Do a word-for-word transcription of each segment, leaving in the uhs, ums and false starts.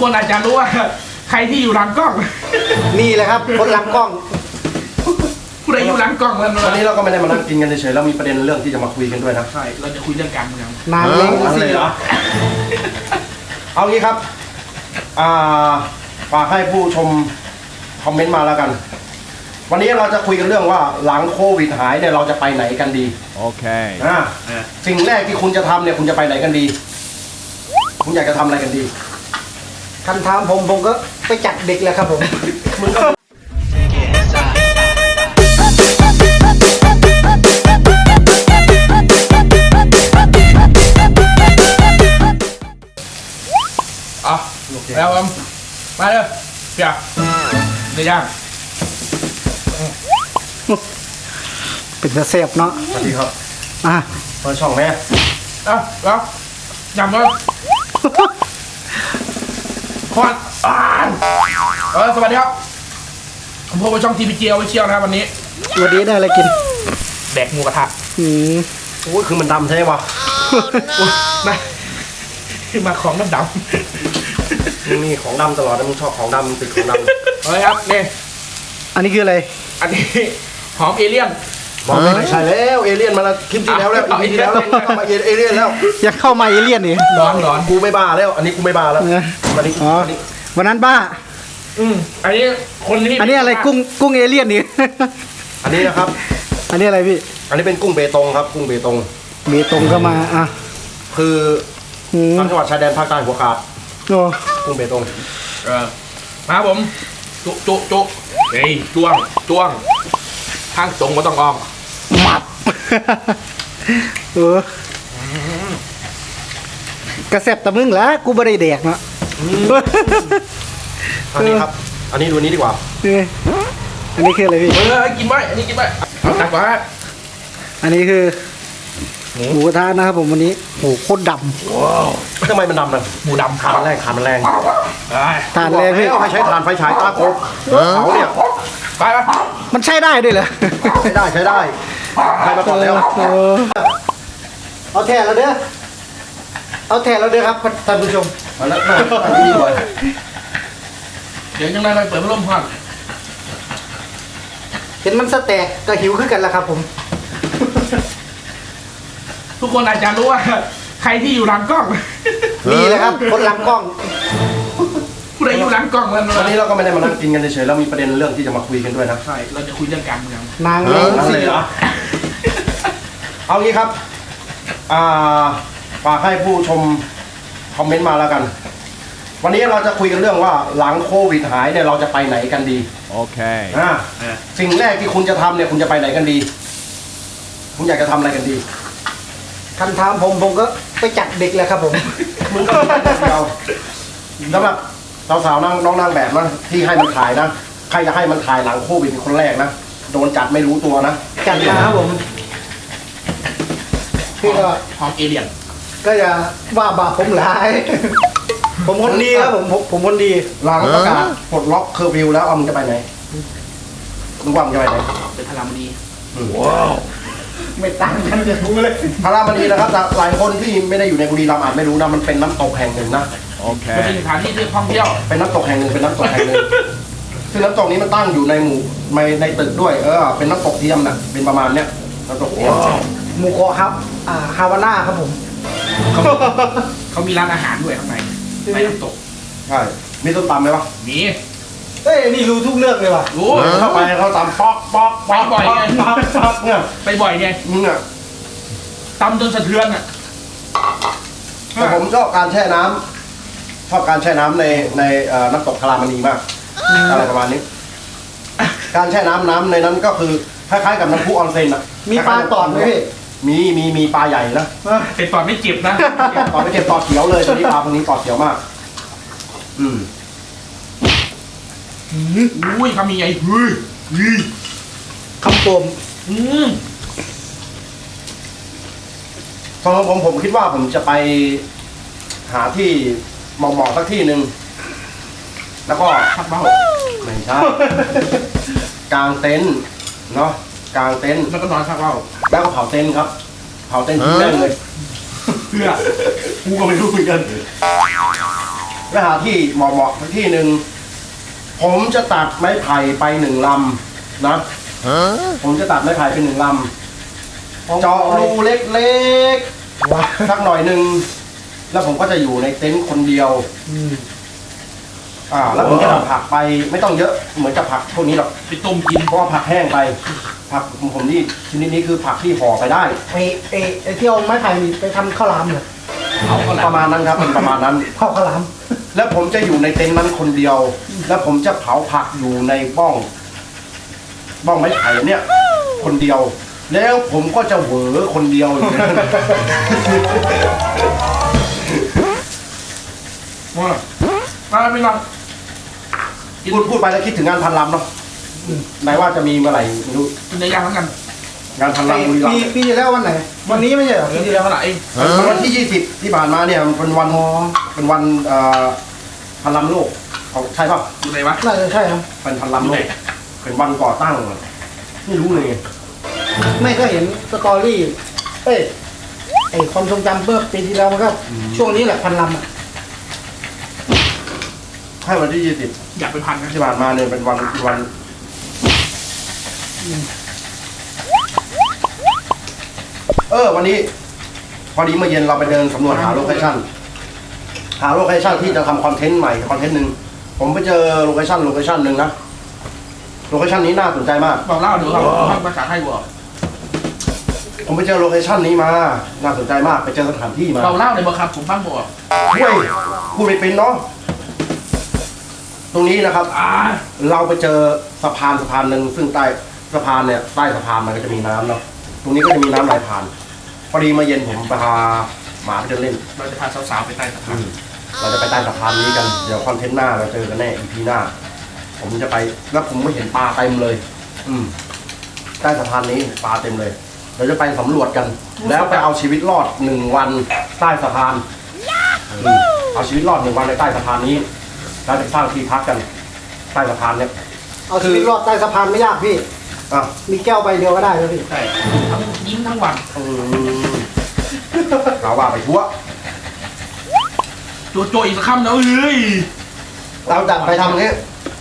คนอาจจะรู้ว่าใครที่อยู่หลังกล้องนี่แหละครับคนหลังกล้องผู้ใดอยู่หลังกล้องวันนี้เราก็ไม่ได้มานั่งกินกันเฉยๆเรามีประเด็นเรื่องที่จะมาคุยกันด้วยนะใช่เราจะคุยเรื่องการเมืองนานเลยเลยเหรอเอางี้ครับอ่าฝากให้ผู้ชมคอมเมนต์มาแล้วกันวันนี้เราจะคุยกันเรื่องว่าหลังโควิดหายเนี่ยเราจะไปไหนกันดีโอเคอ่าสิ่งแรกที่คุณจะทำเนี่ยคุณจะไปไหนกันดีคุณอยากจะทำอะไรกันดีคำถามผมผมก็ไปจัดเด็กแล้วครับผมมึงก็อ่ะแล้วมาเลยเปียกเดี๋ยวย่างเป็นเสียบเนาะสวัสดีครับอ่ะเปิดช่องแม่อ่ะแล้วยำเลยควันอ่านเออสวัสดีครับผมพบกับช่องทีพีเจียวไว้เชียวนะครับวันนี้วันนี้ได้อะไรกินแดกหมูกระทะอืมโอ้ยคือมันดำใช่ปะนะคือมาของน้ำดำมีของดำตลอดนะมึงชอบของดำติดของดำเฮ้ยครับนี่อันนี้คืออะไรอันนี้หอมเอเลี่ยนบอกไม่ใช่แล้วเอเลี่ยนมาแล้วคลิปที่แล้วแล้วคลิปที่แล้วแล้วเข้ามาเอเลี่ยนแล้วอยากเข้ามาเอเลี่ยนนี่ร้อนร้อนกูไม่บ้าแล้วอันนี้กูไม่บ้าแล้ววันนี้วันนั้นบ้าอืมอันนี้คนนี้อันนี้อะไรกุ้งกุ้งเอเลี่ยนนี่อันนี้นะครับอันนี้อะไรพี่อันนี้เป็นกุ้งเบตงครับกุ้งเบตงเบตงก็มาอ่ะคือทางจังหวัดชายแดนภาคใต้หัวขาดโอ้กุ้งเบตงเออมาผมจุจุจุเฮ้ยจ้วงจ้วงทางตรงก็ต้องอ้อมหมัดเออ กระแสบตะมึงแล้วกูไม่ได้แดกเนาะอันนี้ครับอันนี้ดูนี้ดีกว่าอันนี้คืออะไรพี่เออกินไว้อันนี้กินไว้เอาตักไว้อันนี้คือหมูกระทะนะครับผมวันนี้โหโคตรดำว้าวทำไมมันดำนะหมูดำขามันแรงขามันแรงทานแรงพี่ให้ใช้ทานไฟฉายตาโคบเขาเนี่ยไปไปมันใช้ได้ด้วยเหรอใช้ได้ใช้ได้ใช้มาก่อนแล้วเอาแทนเราเด้อเอาแทนเราเด้อครับท่านผู้ชมมาแล้วนี่เลยเดี๋ยวยังไงไปเปิดพัดลมพัดเห็นมันสแต็กก็หิวขึ้นกันแล้วครับผมทุกคนอาจจะรู้ว่าใครที่อยู่หลังกล้องนี่แหละครับคนหลังกล้องผู้ใดอยู่หลังกล้องวันนี้เราก็ไม่ได้มานั่งกินกันเฉยๆเรามีประเด็นเรื่องที่จะมาคุยกันด้วยนะใช่เราจะคุยเรื่องการเมืองนางเลยเหรอเอางี้ครับอ่าฝากให้ผู้ชมคอมเมนต์มาแล้วกันวันนี้เราจะคุยกันเรื่องว่าหลังโควิดหายเนี่ยเราจะไปไหนกันดีโอเคอ่าสิ่งแรกที่คุณจะทำเนี่ยคุณจะไปไหนกันดีคุณอยากจะทำอะไรกันดีคำถามผมผมก็ไปจัดเด็กแล้วครับผมมึงก็เราสำหรับสาวๆนั่งน้องนางแบบนะที่ให้มันถ่ายนะใครจะให้มันถ่ายหลังโควิดเป็นคนแรกนะโดนจัดไม่รู้ตัวนะจัดนะครับผมพี่ก็หอมเอเลี่ยนก็อย่าว่าบาปผมหลายผมคนดีครับผมผมคนดีหลังประกาศปลดล็อกเคอร์ฟิวแล้วเอามึงจะไปไหนมึงว่ามึงจะไปไหนเป็นพารามณีว้าวไม่ต่างกันเลยกูเลยพารามณีนะครับหลายคนที่ไม่ได้อยู่ในบุรีรัมย์อาจไม่รู้นะมันเป็นน้ำตกแห่งหนึ่งนะโอเคมันเป็นสถานที่ท่องเที่ยวเป็นน้ำตกแห่งหนึ่งเป็นน้ำตกแห่งหนึ่งซึ่งน้ำตกนี้มันตั้งอยู่ในหมู่ในในตึกด้วยเออเป็นน้ำตกเทียมนะเป็นประมาณเนี้ยน้ำตกเทียมหมู่เกาะครับอ่าฮาวาน่าครับผมเขาเขามีร้านอาหารด้วยข้างในในน้ำตกใช่มีต้นตำไหมวะมีเอ้ยนี่รู้ทุกเรื่องเลยว่ะรู้เข้าไปเขาตำป๊อกป๊อกไปบ่อยไงป๊อกป๊อกเนี่ยไปบ่อยไงมึงอ่ะตำจนสะเทือนอ่ะแต่ผมชอบการแช่น้ำชอบการแช่น้ำในในน้ำตกคารามณีมากอะไรประมาณนี้การแช่น้ำน้ำในนั้นก็คือคล้ายๆกับน้ำพุออนเซ็นอ่ะมีปลาตอดไหมพี่มีมีมีปลาใหญ่นะเป็นตอดไม่เจ็บนะตอดไม่เจ็บตอดเขียวเลยตอนนี้ปลาพวกนี้ตอดเขียวมากอืมอุ้ยคำมีไงเฮ้ยเฮ้ยคำโปมอืมสำหรับผมผมคิดว่าผมจะไปหาที่เหมาะๆสักที่หนึ่งแล้วก็พักเบ้าไม่ใช่กางเต็นท์เนาะกางเต็นท์แล้วก็นอนพักเบ้าแล้วก็เผาเต็นท์ครับเผาเต็นท์ทิ้งได้เลยเพื่อกูก็ไม่รู้เหมือนกันไปหาที่เหมาะๆสักที่หนึ่งผมจะตัดไม้ไผ่ไปหนึ่งลำนะผมจะตัดไม้ไผ่ไปหนึ่งลำเจาะรูเล็กว้าๆสักหน่อยหนึ่งแล้วผมก็จะอยู่ในเต็นท์คนเดียวอืมอ่า แล้วผมจะทำผักไปไม่ต้องเยอะเหมือนกับผักพวกนี้หรอกไปต้มกินเพราะว่าผักแห้งไป ผักของผมนี่ชนิดนี้คือผักที่ห่อไปได้ไอไอไอที่เอาไม้ไผ่ไปทำข้าวหลามเหรอเอาก็ปแล้วระมาณนั้นครับเป็นประมาณนั้นข้าวข้าวหลามแล้วผมจะอยู่ในเต็นท์นั้นคนเดียว แล้วผมจะเผาผักอยู่ในบ้อง บ้องไม้ไผ่เนี่ย คนเดียว แล้วผมก็จะเหวอคนเดียวอยู่ในนั้นว่ามาไม่นอนพูดพูดไปแล้วคิดถึงงานพันลำเนาะไหนว่าจะมีเมื่อไหร่ไม่รู้กินในย่างทั้งกันงานพันลำบุรีรัมปีย์ปีที่แล้ววันไหน วันนี้ไม่ใช่เหรอเดี๋ปียวที่เดี๋แล้ยว วเท่าไหร่เองมันวันที่ยี่สิบที่ผ่านมาเนี่ยมันเป็นวันเป็นวันเอ่อพันลำโลกของใช่ป่ะอยู่ไหนวะน่าจะใช่ครับเป็นพันลำโลกเป็นวันก่อตั้งไม่รู้เลยไม่ก็เห็นสตอรี่ เอ้ยไอความทรงจำเมื่อปีที่แล้วมันก็ช่วงนี้แหละพันลำอ่ะใช่วันที่ยี่สิบอยากไปพันนะที่ผ่านมาเนี่ยเป็นวันวันเออวันนี้ พอดีเมื่อเย็นเราไปเดินสำรวจหาโลเคชั่นหาโลเคชั่นที่จะทำคอนเทนต์ใหม่คอนเทนต์หนึ่งผมไปเจอโลเคชั่นโลเคชั่นหนึ่งนะโลเคชั่นนี้น่าสนใจมากบอกเล่าเดี๋ยวเราพักภาษาไทยบอกผมไปเจอโลเคชั่นนี้มา น่าสนใจมาก ไปเจอสถานที่มาเราเล่าในบอกครับผมฟังบอกเฮ้ยพูดไม่เป็นเนาะ ตรงนี้นะครับอ่าเราไปเจอสะพานสะพานหนึ่งซึ่งใต้สะพานเนี่ย ใต้สะพานมันก็จะมีน้ำเนาะ ตรงนี้ก็จะมีน้ำไหลผ่าน พอดีมาเย็นผมไปพาหมาไปเดินเล่นเราจะพาสาวๆไปใต้สะพานเราจะไปใต้สะพานนี้กัน เดี๋ยวคอนเทนต์หน้าเราเจอกันแน่ อี พี หน้า ผมจะไป แล้วผมก็เห็นปลาเต็มเลย อืม ใต้สะพานนี้ปลาเต็มเลย เราจะไปสำรวจกัน แล้วไปเอาชีวิตรอดหนึ่งวันใต้สะพานอืมเอาชีวิตรอดหนึ่งวันในใต้สะพานนี้ แล้วจะสร้างที่พักกัน ใต้สะพานเนี่ยเอาชีวิตรอดใต้สะพานไม่ยากพี่อ่ะมีแก้วใบเดียวก็ได้แล้วพี่ใช่ทั้งยิ้มทั้งวันอืมเราว่าไปทั่วโจโจอีกสักคำนะเอ้ยเราจัดไปทำนี้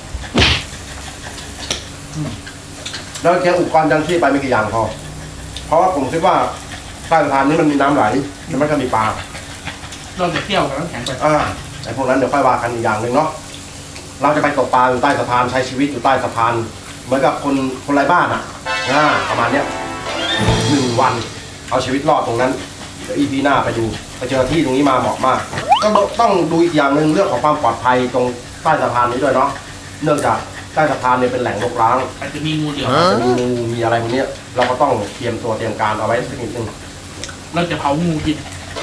แล้วแค่อุปกรณ์ยังชีพไปไม่กี่อย่างพอ เพราะว่าผมคิดว่าใต้สะพานนี้มันมีน้ำไหลแล้วมันก็มีปลาเราจะเที่ยวกับน้ำแข็งไปอ่าไอ้พวกนั้นเดี๋ยวค่อยว่ากันอีกอย่างหนึ่งเนาะ เราจะไปตกปลาอยู่ใต้สะพานใช้ชีวิตอยู่ใต้สะพาน เหมือนกับคนคนไร้บ้านอ่ะอ่าประมาณเนี้ยหนึ่งวัน เอาชีวิตรอดตรงนั้น เดี๋ยวอีพีหน้าไปดูไปเจอที่ตรงนี้มาเหมาะมากต้องต้องดูอีกอย่างหนึ่งเรื่องของความปลอดภัยตรงใต้สะพานนี้ด้วยเนาะ เนื่องจากใต้สะพานเนี่ยเป็นแหล่งรกร้างอาจจะมีงูเดียวอาจจะมีงูมีอะไรพวกเนี้ยเราก็ต้องเตรียมตัวเตรียมการเอาไว้สักนิดนึงเราจะเผางูกิน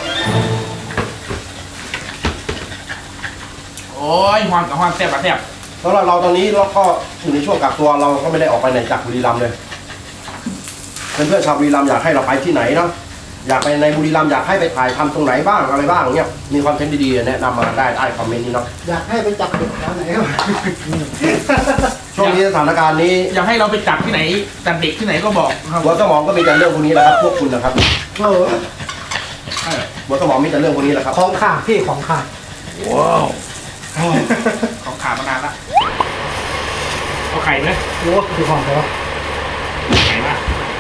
โอ้ยหวานกับหวานแซ่บกับแซ่บสำหรับเราตอนนี้เราก็อยู่ในช่วงกักตัวเราก็ไม่ได้ออกไปไหนจากบุรีรัมย์เลยเพื่อนๆชาวบุรีรัมย์อยากให้เราไปที่ไหนเนาะอยากไปในบุรีรัมย์อยากให้ไปถ่ายทำตรงไหนบ้างอะไรบ้างเนี้ยมีคอนเทนต์ดีๆแนะนำมาได้ใต้คอมเมนต์นี้เนาะอยากให้ไปจับเด็กแถวไหนครับช่วงนี้สถานการณ์นี้อยากให้เราไปจับที่ไหนจับเด็กที่ไหนก็บอกครับหัวสมองก็มีแต่เรื่องพวกนี้แหละครับพวกคุณนะครับเออเออหัวสมองมีแต่เรื่องพวกนี้แหละครับของขาดพี่ของขาดว้าวของขามานานละเอาไข่ไหมโอ้คือของเขาไข่มาก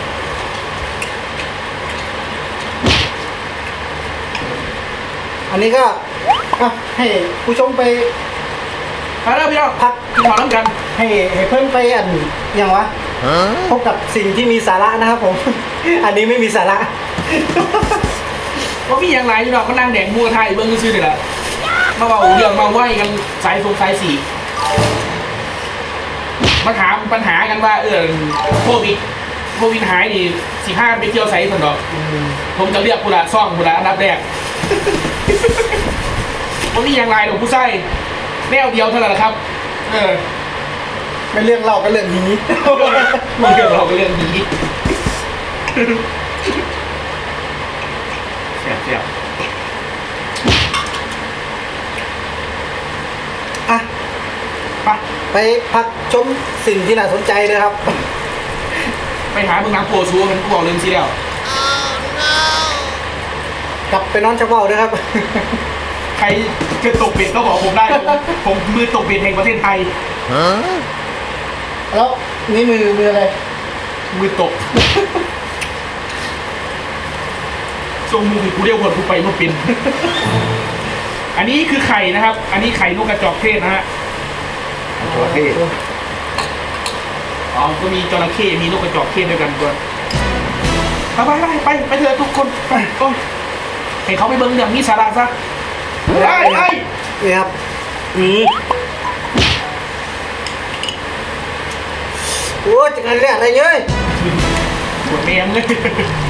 อันนี้ก็อ่ะให้ผู้ชมไปไปแล้วพี่น้องพักกินข้าวน้ำกันให้ให้เพิ่นไปอันอย่างวะพบกับสิ่งที่มีสาระนะครับผม อันนี้ไม่มีสาระว่าพี่ยังไรพี่น้องก็นั่งแดงมูกระทะอยู่เบื้องซื่อๆนี่แหละมาเบาเรื่องมาไหวกันสายฟงสายสี่มาถามปัญหากันว่าเออโควิดโควิดหายนี่สิห้าไปเที่ยวไซส์คนดอกผมจะเรียกกุละซ่องกุละอันดับแรก ว่าพี่ยังไรหรอกผู้ไส้แนวเดียวเท่านั้นแหละครับ เออไม่เรื่องเล่าก็เรื่องนี้มันเรื่องเราก็เรื่องนี้เสียบเสียบอ่ะไปไปพักชมสิ่งที่น่าสนใจเลยครับไปหาเมืองน้ำโพชัวมันกูบอกเรื่องซีแล้วกลับไปนอนชักเบาด้วยครับใครจะตกเบ็ดก็บอกผมได้ผมผมมือตกเบ็ดแห่งประเทศไทยแล้วนี่มือมืออะไรมือตกทรงมือกูเรียกว่ากูไปมาเป็น อันนี้คือไข่นะครับ อันนี้ไข่นกกระจอกเทศนะฮะจระเข้อ๋อก็มีจระเข้มีนกกระจอกเทศด้วยกันด้วยไปไปไปไปเถอะทุกคนไปโอ้ยให้เขาไปเบิ้งเรื่องนี้สาระซะไปไปนี่ครับนี่โอ้ยจะกันเรียกอะไรเยอะปวดแมงเลย